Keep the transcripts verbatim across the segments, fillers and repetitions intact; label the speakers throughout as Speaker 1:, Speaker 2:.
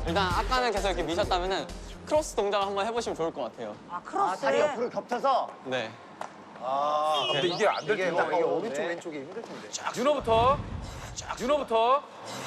Speaker 1: 일단 아까는 계속 이렇게 미셨다면은 크로스 동작을 한번 해보시면 좋을 것 같아요.
Speaker 2: 아, 크로스.
Speaker 3: 다리 옆으로 겹쳐서.
Speaker 1: 네.
Speaker 4: 아, 근데 이게 안 될
Speaker 3: 이게,
Speaker 4: 텐데.
Speaker 3: 이게 오른쪽 왼쪽이 힘들 텐데.
Speaker 4: 윤호부터. 윤호부터.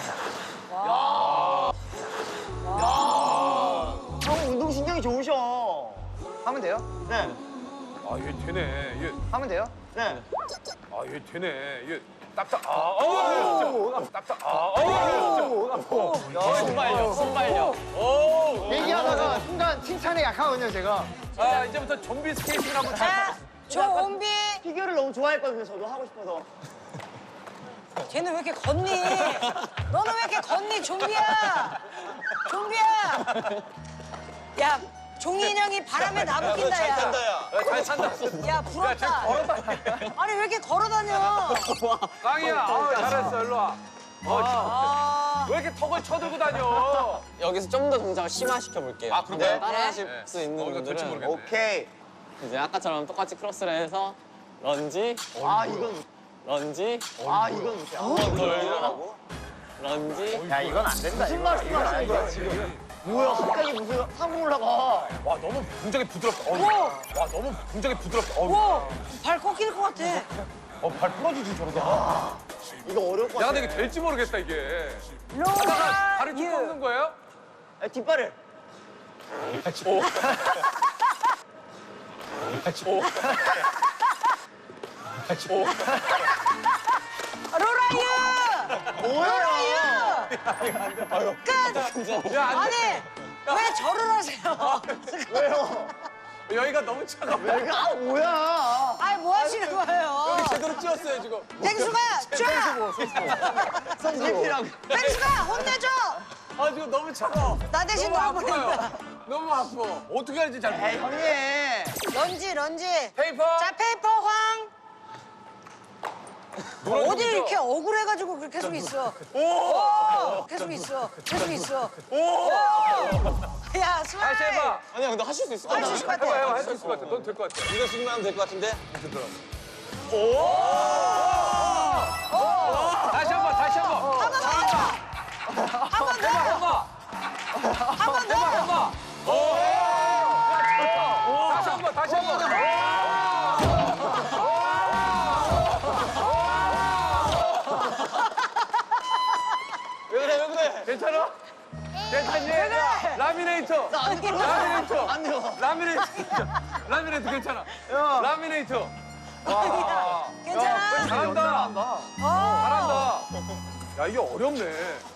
Speaker 3: 형 운동 신경이 좋으셔. 하면 돼요? 네.
Speaker 4: 아, 얘 되네. 얘,
Speaker 3: 하면 돼요? 네.
Speaker 4: 아, 얘 되네. 얘 딱딱. 아, 어, 딱딱. 아, 어.
Speaker 1: 순발력, 순발력.
Speaker 3: 얘기하다가 순간 칭찬에 약하거든요, 제가.
Speaker 4: 아, 이제부터 좀비 스케이팅 한번
Speaker 2: 자, 조은비.
Speaker 3: 피겨를 너무 좋아했거든요, 저도 하고 싶어서.
Speaker 2: 쟤는 왜 이렇게 걷니? 너는 왜 이렇게 걷니, 좀비야? 좀비야! 야, 종이 인형이 바람에 나부낀다, 야.
Speaker 4: 야, 잘 산다.
Speaker 2: 야, 부럽다. 아니, 왜 이렇게 걸어다녀?
Speaker 4: 깡이야. 아, 잘했어. 일로 와. 어,
Speaker 2: 아,
Speaker 4: 왜 이렇게 턱을 쳐들고 다녀?
Speaker 1: 여기서 좀 더 동작을 심화시켜 볼게요.
Speaker 4: 아, 그런가요?
Speaker 1: 네, 따라하실
Speaker 4: 네.
Speaker 1: 수 있는
Speaker 4: 어, 이거 될지
Speaker 1: 분들은
Speaker 4: 모르겠네.
Speaker 3: 오케이.
Speaker 1: 이제 아까처럼 똑같이 크로스를 해서 런지,
Speaker 3: 아, 이건.
Speaker 1: 런지,
Speaker 3: 아, 이건 못해.
Speaker 1: 한번 돌고, 런지.
Speaker 3: 야, 이건 안 된다. 무슨 말, 무슨 말 하는 거야, 지금. 뭐야, 갑자기 무슨 하고 올라가.
Speaker 4: 와, 너무 굉장히 부드럽다. 어,
Speaker 2: 우와.
Speaker 4: 와, 너무 굉장히 부드럽다. 어,
Speaker 2: 와, 발 꺾일 것 같아.
Speaker 4: 어, 발 부러지지 저러다.
Speaker 3: 이거 어려울 것
Speaker 4: 야,
Speaker 3: 같아.
Speaker 4: 근데 이게 될지 모르겠다 이게.
Speaker 2: 로라,
Speaker 4: 하다가 발을 쭉
Speaker 2: 유.
Speaker 4: 꺾는 거예요?
Speaker 3: 야, 뒷발을.
Speaker 4: 오. 오. 오.
Speaker 2: 로라유!
Speaker 3: 뭐야?
Speaker 2: 끝!
Speaker 4: 야, 안
Speaker 2: 아니,
Speaker 4: 돼.
Speaker 2: 왜 절을 하세요?
Speaker 3: 왜요?
Speaker 4: 여기가 너무 차가워.
Speaker 3: 내가 아, 뭐야?
Speaker 2: 아니, 뭐 하시는 거예요?
Speaker 4: 제대로 찧었어요 지금.
Speaker 2: 땡수가, 쫙!
Speaker 3: 성질이라고.
Speaker 2: 땡수가, 혼내줘!
Speaker 4: 아, 지금 너무 차가워.
Speaker 2: 나 대신
Speaker 4: 너무
Speaker 2: 놔버린다.
Speaker 4: 아파요. 너무 아파. 어떻게 할지 잘
Speaker 3: 에이,
Speaker 4: 모르겠어.
Speaker 3: 형님.
Speaker 2: 런지, 런지.
Speaker 4: 페이퍼.
Speaker 2: 자, 페이퍼 황.
Speaker 4: 노란
Speaker 2: 어디
Speaker 4: 종이죠?
Speaker 2: 이렇게 억울해가지고 그렇게 계속 있어. 오! 계속 있어. 계속 있어. 오! 야,
Speaker 4: 다시
Speaker 2: 스마일.
Speaker 4: 해봐.
Speaker 1: 아니야, 근데 하실 수 있을 것
Speaker 2: 할 수
Speaker 1: 같아요.
Speaker 2: 있을 것
Speaker 4: 해봐,
Speaker 2: 같아.
Speaker 4: 해봐. 할 수 있을 것 같아. 넌 될 것 같아.
Speaker 1: 이거 식으면 하면 될 것 같은데?
Speaker 4: 다시 한 번, 다시 한 번.
Speaker 2: 한 번 더. 한 번 더.
Speaker 4: 해봐.
Speaker 2: 한 번 더.
Speaker 4: 해봐. 오. 다시 한 번, 다시 한 번.
Speaker 1: 왜 그래, 왜 그래?
Speaker 4: 괜찮아? 괜찮니? 라미네이터. 라미네이터.
Speaker 3: 안 돼요.
Speaker 4: 라미네이터. 라미네이터 괜찮아. 라미네이터.
Speaker 2: 괜찮아?
Speaker 4: 잘한다.
Speaker 2: 어.
Speaker 4: 잘한다. 야, 이게 어렵네.